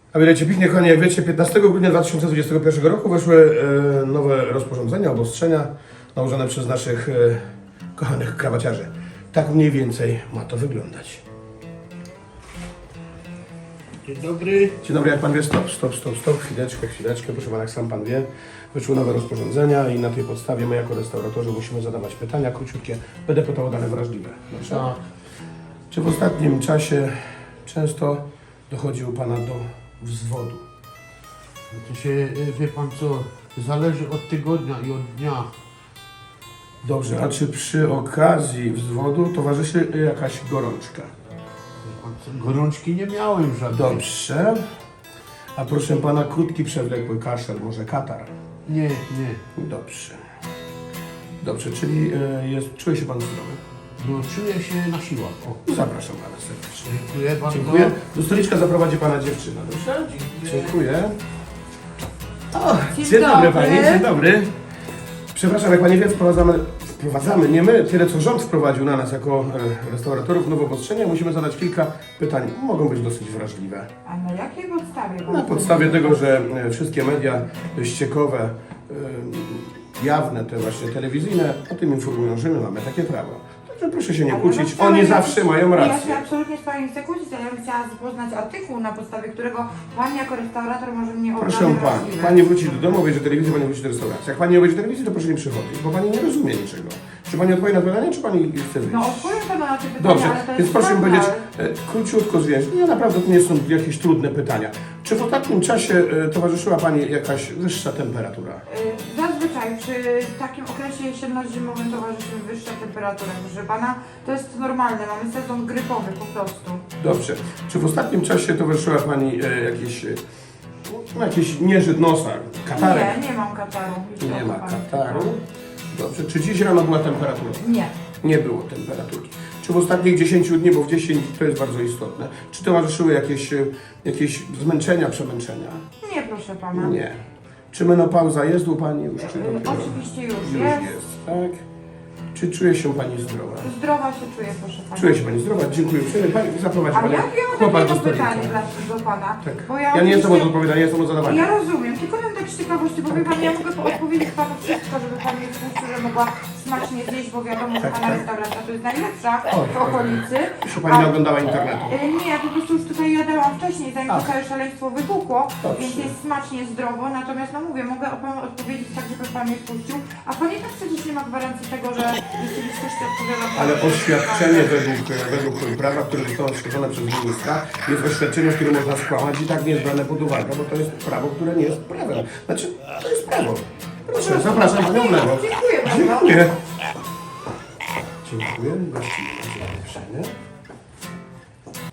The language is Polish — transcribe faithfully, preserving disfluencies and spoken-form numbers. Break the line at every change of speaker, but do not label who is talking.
A wiecie, pięknie, kochani, jak wiecie, piętnastego grudnia dwa tysiące dwudziestego pierwszego roku weszły e, nowe rozporządzenia, obostrzenia nałożone przez naszych e, kochanych krawaciarzy. Tak mniej więcej ma to wyglądać.
Dzień dobry.
Dzień dobry, jak pan wie, stop, stop, stop, stop, chwileczkę, chwileczkę, proszę pana, jak sam pan wie, wyszły nowe rozporządzenia i na tej podstawie my jako restauratorzy musimy zadawać pytania króciutkie. Będę pytał o dane wrażliwe. Dobrze?
Tak.
Czy w ostatnim czasie często dochodzi u pana do wzwodu?
To się, wie pan co, zależy od tygodnia i od dnia.
Dobrze, a czy przy okazji wzwodu towarzyszy jakaś gorączka?
Wie pan co, gorączki nie miałem żadnej.
Dobrze. A proszę pana, krótki, przewlekły kaszel, może katar?
Nie, nie.
Dobrze. Dobrze, czyli e, jest, czuje się pan zdrowy?
No czuję się na siłach. O.
Zapraszam pana serdecznie.
Dziękuję bardzo.
Dziękuję. Do stoliczka zaprowadzi pana dziewczyna, dobrze?
Dziękuję.
Dziękuję. O,
Dzień
dzień dobry
dobry.
pani, dzień dobry. Przepraszam, jak pani wie, wprowadzamy, wprowadzamy, nie my, tyle co rząd wprowadził na nas jako e, restauratorów nowe obostrzenia. Musimy zadać kilka pytań, mogą być dosyć wrażliwe.
A na jakiej podstawie?
Na podstawie tego, że e, wszystkie media ściekowe, e, jawne, te właśnie telewizyjne, o tym informują, że my mamy takie prawo. Także proszę się nie
Ale
kłócić,
no wcale
oni
ja-
zawsze mają
Ja
rację.
się absolutnie z Pani nie chcę kłócić, ale ja bym chciała poznać artykuł, na podstawie którego Pan jako restaurator może mnie obrać.
Proszę pani, pani wróci do domu, obejrzy telewizję, pani wróci do restauracji. Jak pani nie obejrzy telewizji, to proszę nie przychodzić, bo pani nie rozumie niczego. Czy pani odpowie na pytanie, czy pani chce wyjść?
No odpowiem Panu na te pytania,
Dobrze,
ale to
więc
jest
proszę mi
prawda.
powiedzieć e, króciutko, zwięźle. Nie, naprawdę to nie są jakieś trudne pytania. Czy w ostatnim czasie e, towarzyszyła pani jakaś wyższa temperatura?
Y, Zazwyczaj przy takim okresie jesienno-zimowym towarzyszy wyższa temperatura, proszę Pana. To jest normalne, mamy sezon grypowy po prostu.
Dobrze. Czy w ostatnim czasie towarzyszyła pani e, jakieś, e, no, jakiś nieżyt nosa, katarek?
Nie, nie mam kataru. Już
Nie ma
Pan
kataru.
pytał.
Dobrze. Czy dziś rano była temperatura?
Nie.
Nie było temperatury. Czy w ostatnich dziesięciu dni, bo w dziesięć to jest bardzo istotne, czy towarzyszyły jakieś, e, jakieś zmęczenia, przemęczenia?
Nie, proszę Pana.
Nie. Czy menopauza jest u pani już? Czy
Y,
dopiero?
Oczywiście już
Już
jest.
jest, tak? Czy czuje się pani zdrowa?
Zdrowa się czuję, proszę Pana.
Czuje się pani zdrowa? Dziękuję uprzejmie. Pani zaprowadzi
Ale
pani
ja wiem
chłopak do
takiego
stolicy.
pytanie dla, do Pana.
Tak.
Bo
Ja nie jestem od
oczywiście-
odpowiadania, jestem od zadawania.
Ja rozumiem, tylko mam tak z ciekawości, bo wie Pan, ja mogę odpowiedzieć Panu wszystko, żeby Pan mnie spuścił, że mogła smacznie zjeść, bo wiadomo, że
Tak,
Pana
tak.
restauracja to jest najlepsza
O,
w okolicy.
Jeśli pani nie oglądała internetu.
Y, Nie, ja po prostu już tutaj jadałam wcześniej, zanim
A.
to całe szaleństwo wybuchło,
Dobrze.
więc jest smacznie, zdrowo, natomiast no mówię, mogę o Panu odpowiedzieć tak, żeby Pan mnie spuścił, a Pan i tak przecież nie ma gwarancji tego, że rzeczywistość odpowiada Panu.
Ale oświadczenie według, według prawa, które zostało stworzone przez ministra, jest oświadczeniem, które można skłamać i tak nie jest brane pod uwagę, bo to jest prawo, które nie jest prawem. Znaczy, to jest prawo. Proszę, zapraszam panią w lewo.
Dziękuję bardzo.
Dziękuję. Dziękuję. Gościmy uprzejmie.